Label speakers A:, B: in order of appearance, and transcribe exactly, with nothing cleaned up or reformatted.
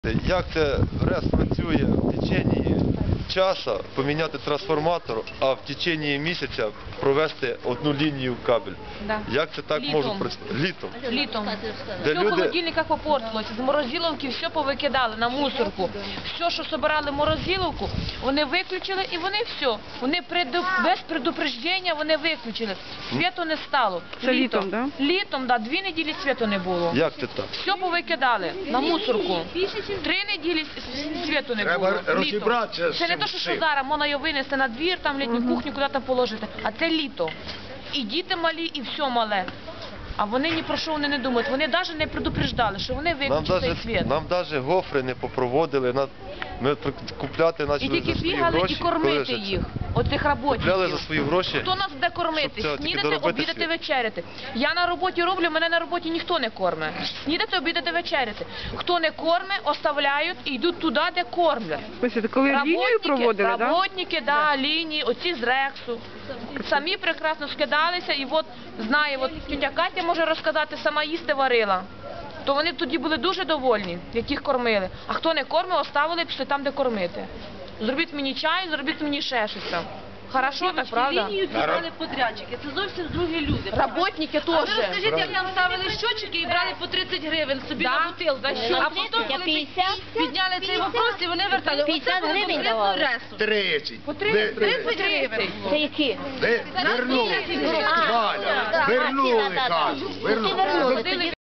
A: Як це РЕС працює в течение часу поміняти трансформатор, а в течение місяця провести одну лінію кабель?
B: Да.
A: Як це так
B: Літом.
A: може працювати? Літом.
B: Літом.
A: Де
B: Все в
A: люди...
B: холодильниках попортилося, з морозиловки все повикидали на мусорку. Все, що збирали в морозиловку, вони виключили і вони все. Вони преду... без предупреждення вони виключили. Світу не стало.
C: Це літом, да?
B: Літом, да, дві неділі світу не було.
A: Як це так?
B: Все повикидали на мусорку. Три неділі світу не
D: Треба
B: було.
D: розібратися
B: Літом.
D: з
B: Це не
D: цим
B: те, що, що
D: всім.
B: зараз можна його винести на двір, там літню кухню, куди там положити. А це літо. І діти малі, і все мале. А вони ні про що вони не думають. Вони навіть не предупреждали, що вони
A: Нам
B: виключать цей
A: навіть
B: світ.
A: нам навіть гофри не попроводили. На... Ми при- купляти
B: І
A: почали
B: тільки
A: за свої
B: бігали
A: гроші.
B: і кормити
A: Коли ж це?
B: їх, оцих
A: Купляли за
B: роботників.
A: свої гроші.
B: Хто нас буде кормити?
A: Щоб це тільки
B: Снідати,
A: доробити
B: обідати,
A: світ.
B: вечеряти. Я на роботі роблю, мене на роботі ніхто не корме. Снідати, обідати, вечеряти. Хто не корме, оставляють і йдуть туди, де кормлять.
C: Ось, коли лінію проводили, так? Да?
B: Работники, да, лінії, оці з Рексу. Самі прекрасно скидалися, і от знає, от тітя Катя може розказати, сама їсти варила. То вони тоді були дуже довольні, яких кормили. А хто не кормив, оставили і пішли там, де кормити. Зробіть мені чай, зробіть мені ще щось там. Хорошо, так, правда?
E: Лінію брали подрядчики, це зовсім другі люди.
B: Работники
E: А ви
B: теж.
E: розкажіть, як нам ставили щочики і брали по тридцять гривень собі
B: Да?
E: на бутилку.
B: За що?
E: А потім, коли
F: п'ятдесят?
E: підняли цей вопрос, і вони вертали.
F: п'ятдесят
E: Оце було
F: гривень
E: конкретно
F: давали?
E: ресу.
D: тридцять.
B: По тридцять гривень.
F: Це які?
D: Ви вернули.
F: А,
D: Валя,
F: так,
D: вернули,
F: так, так, так.
D: кажу,
F: Ти
D: вернули.
F: вернули.